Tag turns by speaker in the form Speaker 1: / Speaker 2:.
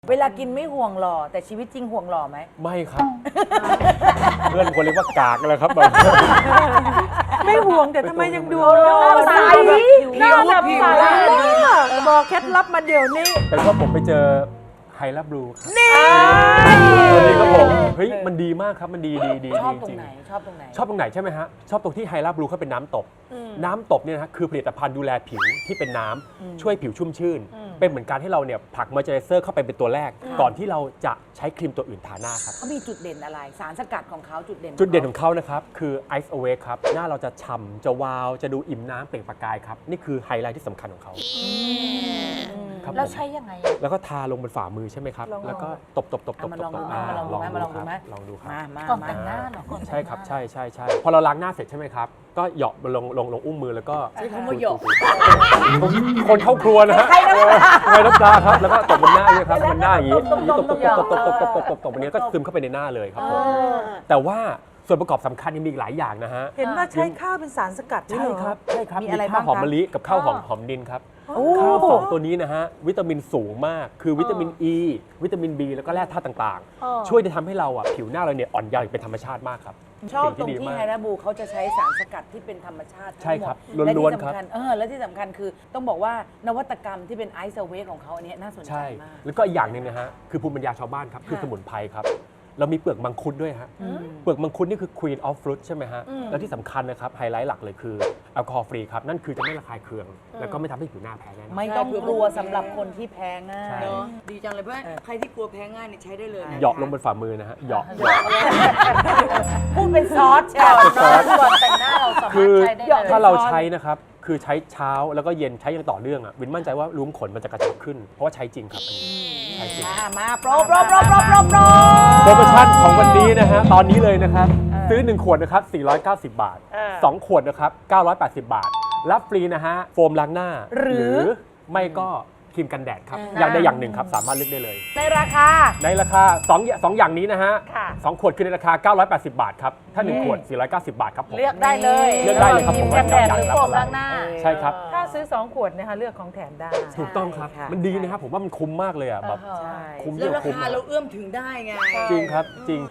Speaker 1: เวลากินไม่ห่วงหล่อแต่ชีวิตจริงห่วงหล่อไหม
Speaker 2: ไม่ครับ เพื่อนคนเรียกว่ากากเลยครับแบบ
Speaker 3: ไม่ห่วงแต่ทำไมยังดู
Speaker 1: ใส
Speaker 3: หน้าแบบใสบอกเคล็ดลับมาเดี๋ยวนี้
Speaker 2: เป็นเพราะผมไปเจอไฮลับบลูครับ
Speaker 3: นี่
Speaker 2: ตัวนี้ครับผมเฮ้ยมันดีมากครับมันดีดี
Speaker 1: ชอบตร
Speaker 2: จ
Speaker 1: ง
Speaker 2: ริง
Speaker 1: ไหนชอบตรงไหน
Speaker 2: ชอบตรงไหนใช่ไหมฮะชอบตรงที่ไฮลับบลูเขาเป็นน้ำตบน้ำตบเนี่ยนะฮะคือผลิตภัณฑ์ดูแลผิวที่เป็นน้ำช่วยผิวชุ่มชื่น เป็นเหมือนการให้เราเนี่ยผลักมอยเจอไรเซอร์เข้าไปเป็นตัวแรก ก่อนที่เราจะใช้ครีมตัวอื่นทาหน้าครับ
Speaker 1: เขามีจุดเด่นอะไรสารสกัดของเขาจุดเด่น
Speaker 2: จุดเด่นของเขานะครับคือ Ice Awake ครับหน้าเราจะฉ่ำจะวาวจะดูอิ่มน้ำเปล่งประกายครับนี่คือไฮไลท์ที่สำคัญของเขาครับ
Speaker 1: แล้ว
Speaker 2: ผม
Speaker 1: ใช้ยังไง
Speaker 2: แล้วก็ทาลงบนฝ่ามือใช่ไหมครับ แล้วก็ตบ
Speaker 1: มาลองดูไหมมาลองดูไหมมาลองดูไหม
Speaker 2: ลองดูครับ
Speaker 1: มา
Speaker 4: ก่อนแต่งหน้าเหรอก่อนแต่งหน้า
Speaker 2: ใช่ครับใช่พอเราล้างหน้าเสร็จใช่ไหมครับ ก็เหยาะลงอุ้งมือแล้วก็
Speaker 1: ใช้คำว่าเหยาะ
Speaker 2: คนเข้าครัวนะฮะไงน้ำปลาครับแล้วก็ตบบนหน้าอย่างนี้ครับบนหน้าอย่างนี้ตบอันนี้ก็ซึมเข้าไปในหน้าเลยครับผมแต่ว่าส่วนประกอบสำคัญยังมีอีกหลายอย่างนะฮะ
Speaker 3: เห็นว่าใช้ข้าวเป็นสารสกัดนี่
Speaker 2: ใช่
Speaker 3: เหรอ
Speaker 2: ครับมี
Speaker 1: อะไร
Speaker 2: ข้าวหอม
Speaker 1: บ้างคะ
Speaker 2: มะลิกับข้าวหอมดินครับ
Speaker 3: โอ้
Speaker 2: ข้าวสองตัวนี้นะฮะวิตามินสูงมากคือวิตามิน E วิตามิน B แล้วก็แร่ธาตุต่างๆ ช่วยจะทำให้เราอ่ะผิวหน้าเราเนี่ยอ่อนเยาว์อย่างเป็นธรรมชาติมากครับ
Speaker 1: ชอบตรง
Speaker 2: สิ่ดี
Speaker 1: ที่
Speaker 2: มาก
Speaker 1: ไฮราบูเขาจะใช้สารสกัดที่เป็นธรรมชาติทั้งหมด
Speaker 2: ใช่ครับ
Speaker 1: และ
Speaker 2: ล้วน
Speaker 1: ที่
Speaker 2: ๆครับ
Speaker 1: สำคัญและที่สำคัญคือต้องบอกว่านวัตกรรมที่เป็นไอซ์เวกของเขาอันนี้น่าสนใจ
Speaker 2: ใช่
Speaker 1: มาก
Speaker 2: แล้วก็อีกอย่างหนึ่งนะฮะคือภูมิปัญญาชาวบ้านครับคือสมุนไพรครับเรามีเปลือกมังคุดด้วยฮะเปลือกมังคุดนี่คือ Queen of Fruit ใช่ไหมฮะแล้วที่สำคัญนะครับไฮไลท์หลักเลยคือแอลกอฮอล์ฟรีครับนั่นคือจะไม่ระคายเคือง แล้วก็ไม่ทำให้ผิวหน้าแพ้แน่นอน
Speaker 1: ไม่ต้องกลัวสำหรับคนที่แพ้ง่า
Speaker 2: ใช่
Speaker 1: ย
Speaker 4: เนอะดีจังเลยเพื่อนใครที่กลัวแพ้ง่ายเนี่ยใช้ได้เลยนะ
Speaker 2: เหยาะลงบนฝ่ามือนะฮะเหยาะ
Speaker 1: พูดเป็นซอสใช่
Speaker 4: ก่อนแต่งหน้าเราสามาร
Speaker 2: คื
Speaker 4: ถ
Speaker 2: อ
Speaker 4: ใช้ได้เลย
Speaker 2: ถ้าเราใช้นะครับคือใช้เช้าแล้วก็เย็นใช้อย่างต่อเนื่องอ่ะวินมั่นใจว่ารุ้มขนมันจะกระชับขึ้น เพราะว่าใช้จริงครับอันนี้ใช้จริง
Speaker 1: มาโปรโปร
Speaker 2: โปรโมชั่นของวันนี้นะฮะตอนนี้เลยนะครับ ซื้อ 1 ขวดนะครับ 490 บาท 2 ขวดนะครับ 980 บาท รับฟรีนะฮะ โฟมล้างหน้า หรือไม่ก็ครีมกันแดดครับ อย่างใดอย่างหนึ่งครับ สามารถเลือกได้เลย
Speaker 1: ในราคา
Speaker 2: ในราคา2อย่างนี้นะฮะ 2 ขวดคือในราคา 980 บาทครับ ถ้า 1 ขวด 490 บาทครับผม
Speaker 1: เลือกได้เลย
Speaker 2: เลือกได้เลยครับผม
Speaker 4: กันแดดหรือ
Speaker 2: ว่า
Speaker 4: โฟม
Speaker 2: จะ
Speaker 4: ล้างหน้า
Speaker 2: ใช่ครับ
Speaker 3: ถ้าซื้อ 2 ขวดนะคะเลือกของแถมได้
Speaker 2: ถูกต้องครับ มันดีนะครับ ผมว่ามันคุ้มมากเลยอ่ะแบบ
Speaker 1: ใช่
Speaker 2: คุ้มเย
Speaker 4: แล้ว
Speaker 2: อะ
Speaker 4: รา
Speaker 2: คุ้ม
Speaker 4: คาเราเอื้อมถึงได้ไง
Speaker 2: จริงครับจริง